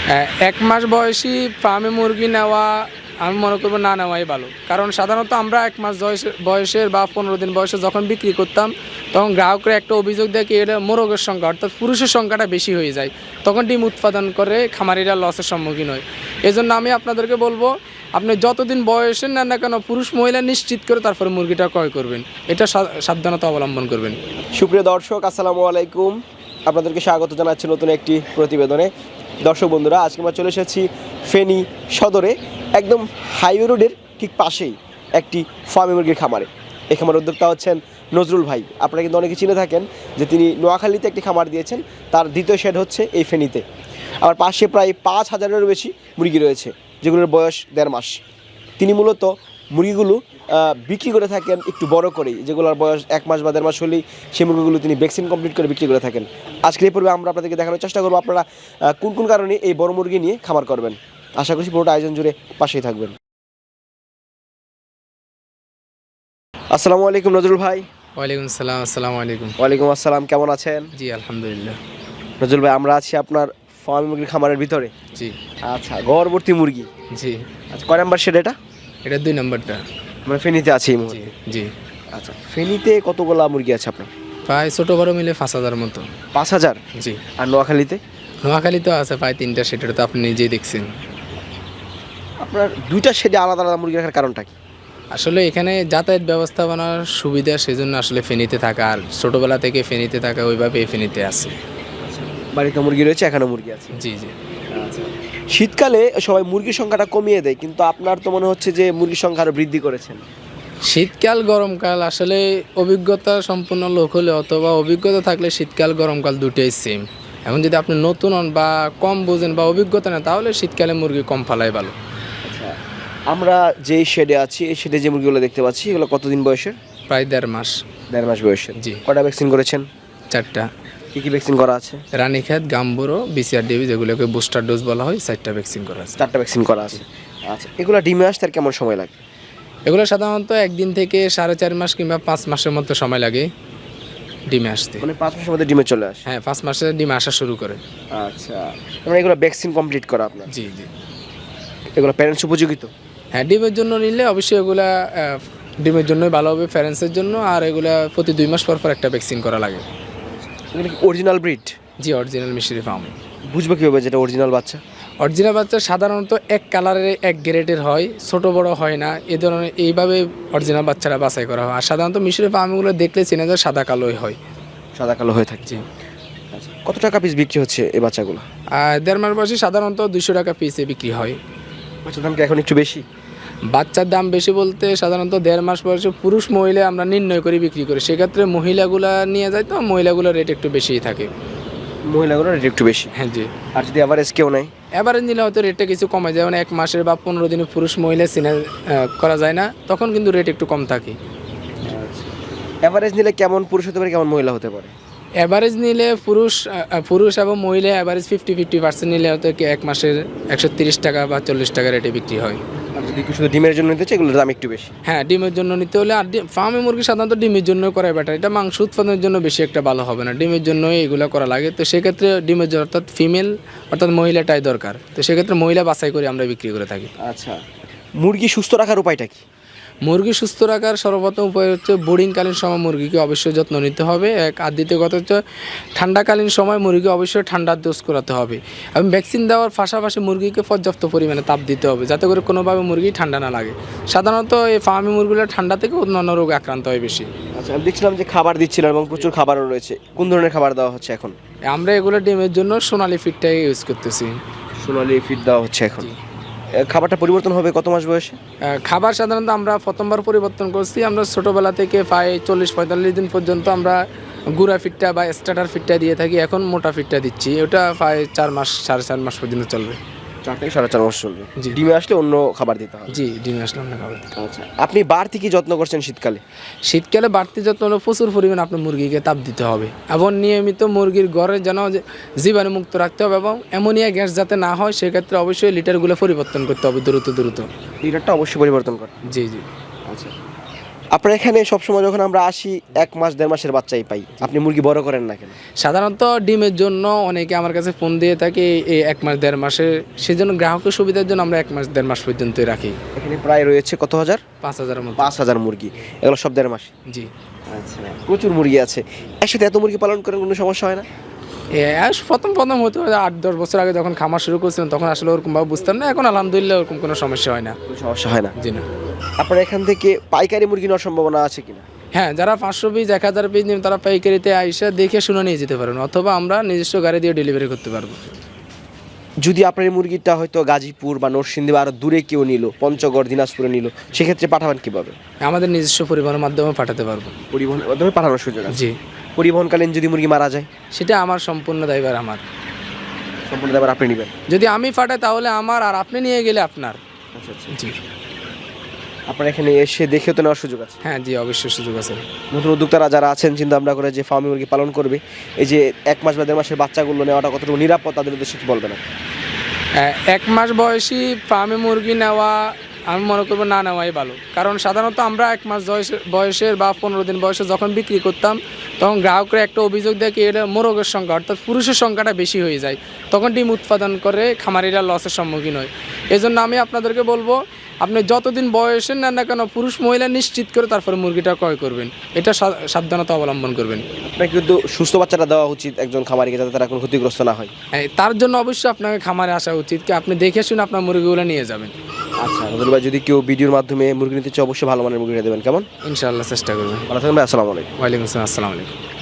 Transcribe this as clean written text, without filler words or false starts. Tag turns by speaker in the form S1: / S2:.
S1: এক মাস বয়সী ফার্মে মুরগি নেওয়া আমি মনে করবো না নেওয়াই ভালো, কারণ সাধারণত আমরা এক মাস বয়সের বা 15 দিন বয়সে যখন বিক্রি করতাম তখন গ্রাহকরা একটা অভিযোগ দেয় কি এটা মোরগের সংখ্যা অর্থাৎ পুরুষের সংখ্যাটা বেশি হয়ে যায়, তখন ডিম উৎপাদন করে খামারিরা লসের সম্মুখীন হয়। এজন্য আমি আপনাদেরকে বলবো আপনি যতদিন বয়সের নেন না কেন পুরুষ মহিলা নিশ্চিত করে তারপরে মুরগিটা ক্রয় করবেন, এটা সাবধানতা অবলম্বন করবেন।
S2: সুপ্রিয় দর্শক, আসসালামু আলাইকুম, আপনাদেরকে স্বাগত জানাচ্ছি নতুন একটি প্রতিবেদনে। দর্শক বন্ধুরা, আজকে আমরা চলে এসেছি ফেনী সদরে, একদম হাইওয়ে রোডের ঠিক পাশেই একটি ফার্মি মুরগির খামারে। এই খামার উদ্যোক্তা হচ্ছেন নজরুল ভাই। আপনারা কিন্তু অনেকে চিনে থাকেন যে তিনি নোয়াখালীতে একটি খামার দিয়েছেন, তার দ্বিতীয় শেড হচ্ছে এই ফেনীতে। আমার পাশে প্রায় 5,000-এরও বেশি মুরগি রয়েছে, যেগুলোর বয়স 1.5 মাস। তিনি মূলত মুরগিগুলো বিক্রি করে থাকেন একটু বড় করেই, যেগুলোর বয়স 1 মাস বা 1.5 মাস হলেই সেই মুরগিগুলো তিনি ভ্যাকসিন কমপ্লিট করে বিক্রি করে থাকেন। আজকের এই পর্বে আমরা আপনাদেরকে দেখানোর চেষ্টা করবো আপনারা কোন কোন কারণে এই বড় মুরগি নিয়ে খামার করবেন। আশা করছি পুরোটা আয়োজন জুড়ে পাশেই থাকবেন। আসসালামু আলাইকুম নজরুল ভাই।
S1: ওয়ালাইকুম আসসালাম। আসসালামু আলাইকুম।
S2: ওয়ালাইকুম আসসালাম, কেমন আছেন?
S1: জি আলহামদুলিল্লাহ।
S2: নজরুল ভাই, আমরা আছি আপনার ফার্মি মুরগির খামারের ভিতরে।
S1: জি
S2: আচ্ছা, গড়বর্তী মুরগি।
S1: জি।
S2: আচ্ছা, কয় নাম্বার শেড এটা?
S1: এটা 2 নম্বরটা।
S2: মানে ফেনীতে আছে এই
S1: জি
S2: মুরগি?
S1: জি।
S2: আচ্ছা, ফেনীতে কতগুলা মুরগি আছে আপনার?
S1: প্রায় ছোটো বড় মিলে 5,000 মতো।
S2: 5,000?
S1: জি।
S2: আর নোয়াখালীতে?
S1: নোয়াখালী তো আছে প্রায় 3টা, সেটা তো আপনি নিজেই দেখছেন।
S2: আপনার 2টা শেডে আলাদা আলাদা মুরগি রাখার কারণটা কি?
S1: আসলে এখানে যাতায়াত ব্যবস্থাপনার সুবিধা, সেজন্য আসলে ফেনীতে থাকা, আর ছোটোবেলা থেকে ফেনীতে থাকা, ওইভাবে ফেনীতে আছে।
S2: বাড়িতে মুরগি রয়েছে, এখানেও মুরগি আছে।
S1: জি জি।
S2: আচ্ছা, শীতকালে সবাই মুরগির সংখ্যাটা কমিয়ে দেয়, কিন্তু আপনার তো মনে হচ্ছে যে মুরগির সংখ্যা আরও বৃদ্ধি করেছেন।
S1: শীতকাল গরমকাল আসলে অভিজ্ঞতা সম্পন্ন লোক হলে অথবা অভিজ্ঞতা থাকলে শীতকাল গরমকাল দুটোই সেম। এখন যদি আপনি নতুন হন বা কম বোঝেন বা অভিজ্ঞতা নেই, তাহলে শীতকালে মুরগি কম ফালাই ভালো।
S2: আচ্ছা, আমরা যেই শেডে আছি, এই শেডে যে মুরগিগুলো দেখতে পাচ্ছি, এগুলো কতদিন বয়সের?
S1: প্রায় 1.5 মাস।
S2: 1.5 মাস বয়সের।
S1: জি।
S2: কটা ভ্যাকসিন করেছেন?
S1: 4টা।
S2: কী কী ভ্যাকসিন করা আছে?
S1: রানীক্ষেত, গাম্বুরো, BCR-DB, যেগুলোকে বুস্টার ডোজ বলা হয়, 4টা ভ্যাকসিন করা আছে।
S2: 4টা ভ্যাকসিন করা আছে। আচ্ছা, এগুলো ডিমে আসতে আর কেমন সময় লাগে?
S1: এগুলো সাধারণত 1 দিন থেকে 4.5 মাস কিংবা 5 মাসের মতো সময় লাগে ডিমে আসতে।
S2: মানে 5 মাসের মধ্যে ডিমে চলে আসে?
S1: হ্যাঁ, 5 মাসে ডিমে আসা শুরু করে।
S2: আচ্ছা, মানে এগুলো ভ্যাকসিন কমপ্লিট করা আপনার?
S1: জি জি।
S2: এগুলো প্যারেন্টস উপযোগিত?
S1: হ্যাঁ, ডিমের জন্য নিলে অবশ্যই এগুলা ডিমের জন্যই ভালো হবে, প্যারেন্টসের জন্য। আর এগুলা প্রতি 2 মাস পর পর একটা ভ্যাকসিন করা লাগে।
S2: এগুলো কি অরিজিনাল ব্রিড?
S1: জি, অরিজিনাল মিশরি ফার্ম।
S2: বুঝবো কীভাবে যেটা অরিজিনাল বাচ্চা?
S1: অরিজিনাল বাচ্চা সাধারণত এক কালারের, এক গ্রেডের হয়, ছোট বড় হয় না। এ ধরনের এইভাবে অরিজিনাল বাচ্চারা বাছাই করা হয়। আর সাধারণত মিশরি ফার্মগুলো দেখলে চেনা যায় সাদা কালোই হয়।
S2: সাদা কালো হয়ে থাকে?
S1: জি।
S2: আচ্ছা, কত টাকা পিস বিক্রি হচ্ছে এই বাচ্চাগুলো?
S1: 1.5 মাস বয়সে সাধারণত 200 টাকা পিসে বিক্রি হয়।
S2: বাচ্চার দাম কি এখন একটু বেশি?
S1: বাচ্চার দাম বেশি বলতে সাধারণত 1.5 মাস বয়সে পুরুষ মহিলা আমরা নির্ণয় করে বিক্রি করি, সেক্ষেত্রে মহিলাগুলা নিয়ে যায় তো মহিলাগুলোর রেট একটু বেশিই থাকে।
S2: মহিলাগুলোর রেট একটু বেশি?
S1: হ্যাঁ জি।
S2: আর যদি অ্যাভারেজ কেউ নেয়?
S1: অ্যাভারেজ নিলে হয়তো রেটটা কিছু কমে যায়, মানে 1 মাসের বা 15 দিনে পুরুষ মহিলা চিনা করা যায় না, তখন কিন্তু রেট একটু কম থাকে।
S2: অ্যাভারেজ নিলে কেমন পুরুষ হতে পারে, কেমন মহিলা হতে পারে?
S1: অ্যাভারেজ নিলে পুরুষ এবং মহিলা অ্যাভারেজ 50-50% নিলে হয়তো 1 মাসের 130 টাকা বা 40 টাকা রেটে বিক্রি হয়।
S2: আর যদি শুধু ডিমের জন্য নিতে চাই, এগুলোর দাম একটু বেশি?
S1: হ্যাঁ, ডিমের জন্য নিতে হলে। আর ফার্মে মুরগি সাধারণত ডিমের জন্য করা বেটার, এটা মাংস উৎপাদনের জন্য বেশি একটা ভালো হবে না, ডিমের জন্যই এগুলো করা লাগে। তো সেক্ষেত্রে ডিমের জন্য অর্থাৎ ফিমেল অর্থাৎ মহিলাটাই দরকার, তো সেক্ষেত্রে মহিলা বাছাই করে আমরা বিক্রি করে থাকি।
S2: আচ্ছা, মুরগি সুস্থ রাখার উপায়টা কি?
S1: মুরগি সুস্থ রাখার সর্বপ্রথম উপায় হচ্ছে বোর্ডিংকালীন সময় মুরগিকে অবশ্যই যত্ন নিতে হবে। আর দ্বিতীয় কথা হচ্ছে ঠান্ডাকালীন সময় মুরগি অবশ্যই ঠান্ডার ডোজ করাতে হবে, এবং ভ্যাকসিন দেওয়ার পাশাপাশি মুরগিকে পর্যাপ্ত পরিমাণে তাপ দিতে হবে, যাতে করে কোনোভাবে মুরগি ঠান্ডা না লাগে। সাধারণত এই ফার্মি মুরগিগুলো ঠান্ডা থেকে অন্যান্য রোগে আক্রান্ত হয় বেশি।
S2: আচ্ছা, আমি দেখছিলাম যে খাবার দিচ্ছিলেন এবং প্রচুর খাবারও রয়েছে, কোন ধরনের খাবার দেওয়া হচ্ছে এখন?
S1: আমরা এগুলো ডিমের জন্য সোনালি ফিডটাই ইউজ করতেছি।
S2: সোনালি ফিড দেওয়া হচ্ছে এখন? খাবারটা পরিবর্তন হবে কত মাস বয়সে?
S1: খাবার সাধারণত আমরা প্রথমবার পরিবর্তন করছি, আমরা ছোটোবেলা থেকে প্রায় 40-45 দিন পর্যন্ত আমরা গুঁড়া ফিডটা বা স্টার্টার ফিডটা দিয়ে থাকি, এখন মোটা ফিডটা দিচ্ছি। ওটা প্রায় 4 মাস 4.5 মাস পর্যন্ত চলবে।
S2: 4 থেকে 4.5 মাস চলবে?
S1: জি।
S2: ডিমে আসলে অন্য খাবার দিতে হবে?
S1: জি, ডিমে আসলে আমরা খাবার দিতে।
S2: আচ্ছা, আপনি বাড়তি কি যত্ন করছেন শীতকালে?
S1: শীতকালে বাড়তি যত্ন হলো প্রচুর পরিমাণে আপনার মুরগিকে তাপ দিতে হবে, এবং নিয়মিত মুরগির ঘরে যেন জীবাণুমুক্ত রাখতে হবে, এবং অ্যামোনিয়া গ্যাস যাতে না হয় সেক্ষেত্রে অবশ্যই লিটারগুলো পরিবর্তন করতে হবে দ্রুত।
S2: লিটারটা অবশ্যই পরিবর্তন করে?
S1: জি জি।
S2: আচ্ছা, আপনার এখানে সবসময় যখন আমরা আসি 1 মাস 1.5 মাসের বাচ্চাই পাই, আপনি মুরগি বড় করেন না কেন?
S1: সাধারণত ডিমের জন্য অনেকে আমার কাছে ফোন দিয়ে থাকে এই 1 মাস 1.5 মাসে, সেই জন্য গ্রাহকের সুবিধার জন্য আমরা 1 মাস 1.5 মাস পর্যন্তই রাখি।
S2: এখানে প্রায় রয়েছে কত হাজার?
S1: 5,000-এর মতো।
S2: 5,000 মুরগি, এগুলো সব 1.5 মাস।
S1: জি।
S2: আচ্ছা, প্রচুর মুরগি আছে। একসাথে এত মুরগি পালন করেন, কোনো সমস্যা হয় না?
S1: প্রথম হতে 8-10 বছর আগে যখন খামার শুরু করছিলাম তখন আসলে ওরকমভাবে বুঝতাম না, এখন আলহামদুলিল্লাহ ওরকম কোনো সমস্যা হয় না।
S2: কোনো সমস্যা হয় না?
S1: জি না।
S2: আপনার এখান থেকে পাইকারি মুরগি নেওয়ার সম্ভাবনা আছে কিনা?
S1: হ্যাঁ, যারা 500 পিস 1000 পিস নেবেন তারা পাইকারিতে আইসা দেখে শুনে নিয়ে যেতে পারেন, অথবা আমরা নিজস্ব গাড়ি দিয়ে ডেলিভারি করতে পারবো।
S2: যদি আপনার এই মুরগিটা হয়তো গাজীপুর বা নরসিংদী বা আরও দূরে কেউ নিল, পঞ্চগড় দিনাজপুরে নিল, সেক্ষেত্রে পাঠাবেন কীভাবে?
S1: আমাদের নিজস্ব পরিবহনের মাধ্যমে পাঠাতে পারবো।
S2: পরিবহনের মাধ্যমে পাঠানোর সুযোগ আছে?
S1: জি।
S2: পরিবহনকালীন যদি মুরগি মারা যায়?
S1: সেটা আমার সম্পূর্ণ দায়ভার আমার।
S2: সম্পূর্ণ দায়ভার আপনি নেবেন?
S1: যদি আমি পাঠাই তাহলে আমার, আর আপনি নিয়ে গেলে আপনার।
S2: আচ্ছা আচ্ছা।
S1: জি।
S2: আপনার এখানে এসে দেখেও তো নেওয়ার সুযোগ আছে?
S1: হ্যাঁ জি, অবশ্যই সুযোগ আছে।
S2: নতুন উদ্যোক্তারা যারা আছেন চিন্তা ভাবনা করে যে ফার্মে মুরগি পালন করবে, এই যে 1 মাস বা 1.5 মাসের বাচ্চাগুলো নেওয়াটা কতটুকু নিরাপদ, তাদের উদ্দেশ্যে কি বলবেন?
S1: 1 মাস বয়সী ফার্মে মুরগি নেওয়া আমি মনে করবো না নেওয়াই ভালো, কারণ সাধারণত আমরা 1 মাস বয়সের বা 15 দিন বয়সে যখন বিক্রি করতাম তখন গ্রাহকরা একটা অভিযোগ দেয় কি এটা মোরগের সংখ্যা অর্থাৎ পুরুষের সংখ্যাটা বেশি হয়ে যায়, তখন ডিম উৎপাদন করে খামারিরা লসের সম্মুখীন হয়। এজন্য আমি আপনাদেরকে বলবো আপনি যতদিন বয়সের নেন না কেন পুরুষ মহিলা নিশ্চিত করে তারপরে মুরগিটা ক্রয় করবেন, এটা সাবধানতা অবলম্বন করবেন।
S2: আপনার কিন্তু সুস্থ বাচ্চাটা দেওয়া উচিত একজন খামারিকে, যাতে তারা কোনো ক্ষতিগ্রস্ত না হয়।
S1: তার জন্য অবশ্যই আপনাকে খামারে আসা উচিত, কি আপনি দেখে শুনে আপনার মুরগিগুলো নিয়ে যাবেন।
S2: আচ্ছা নজরুল ভাই, যদি কেউ ভিডিওর মাধ্যমে মুরগি নিতে চায় অবশ্যই ভালো মানের মুরগিটা দেবেন, কেমন?
S1: ইনশাআল্লাহ চেষ্টা করবেন।
S2: ভালো থাকবেন ভাই, আসসালামু আলাইকুম।
S1: ওয়ালাইকুম আসসালাম, আসসালামু আলাইকুম।